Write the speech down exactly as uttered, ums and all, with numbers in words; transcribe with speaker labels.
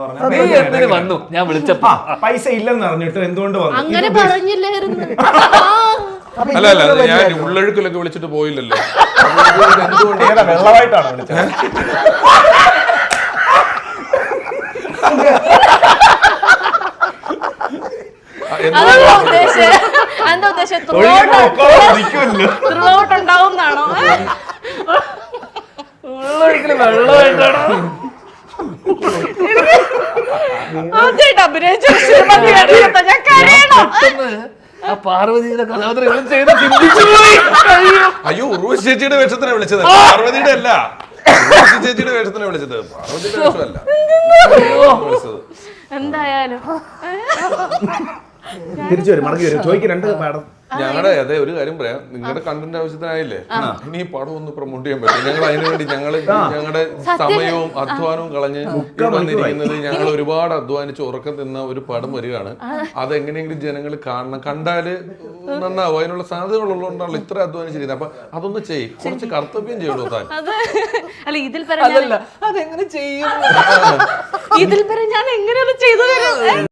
Speaker 1: വന്നു ഞാൻ വിളിച്ചപ്പോ
Speaker 2: പൈസ ഇല്ലെന്ന് അറിഞ്ഞിട്ട് എന്തുകൊണ്ട് വന്നു?
Speaker 3: അങ്ങനെ പറഞ്ഞില്ലായിരുന്നു.
Speaker 4: അല്ല അല്ല ഞാൻ ഉള്ളൊഴുക്കിലൊക്കെ വിളിച്ചിട്ട് പോയില്ലല്ലോ.
Speaker 2: എന്തുകൊണ്ട് വെള്ളമായിട്ടാണ് വിളിച്ചത്?
Speaker 3: എന്താ ഉദ്ദേശം ഉണ്ടാവുന്നാണോ?
Speaker 1: ഉള്ളൊഴുക്കില് വെള്ളമായിട്ടാണോ? ആ പാർവതിയുടെ കഥാപാത്രം ചെയ്ത് ചിന്തിച്ചു പോയി.
Speaker 4: അയ്യോ ഉർവശി ചേച്ചിയുടെ വേഷത്തിനാണ് വിളിച്ചത്, പാർവതിയുടെ അല്ല. ഉർവശി ചേച്ചിയുടെ വേഷത്തിനാണ് വിളിച്ചത്, പാർവതിയുടെ വേഷമല്ല.
Speaker 3: എന്തായാലും
Speaker 2: തിരിച്ചു വരും, മടങ്ങി വരും. ചോദിക്കും രണ്ട് പാടം.
Speaker 4: ഞങ്ങളുടെ അതെ ഒരു കാര്യം പറയാം, നിങ്ങളുടെ കണ്ടന്റ് ആവശ്യത്തിനായില്ലേ ഇനി ഈ പടം ഒന്ന് പ്രൊമോട്ട് ചെയ്യാൻ പറ്റും. ഞങ്ങൾ അതിനു വേണ്ടി ഞങ്ങൾ ഞങ്ങളുടെ സമയവും അധ്വാനവും കളഞ്ഞ് വന്നിരിക്കുന്നത്. ഞങ്ങൾ ഒരുപാട് അധ്വാനിച്ച് ഉറക്കം തിന്ന ഒരു പടം വരികയാണ്. അതെങ്ങനെയെങ്കിലും ജനങ്ങൾ കാണണം, കണ്ടാല് നന്നാവും. അതിനുള്ള സാധ്യതകളുള്ളതുകൊണ്ടാണല്ലോ ഇത്ര അധ്വാനിച്ചിരിക്കുന്നത്. അപ്പൊ അതൊന്ന് ചെയ്യും, കുറച്ച് കർത്തവ്യം ചെയ്യണോ താൻ?
Speaker 3: അല്ല ഇതിൽ അതെങ്ങനെ ചെയ്യും? ഇതിൽ ഞാൻ എങ്ങനെ ചെയ്തു തരാം?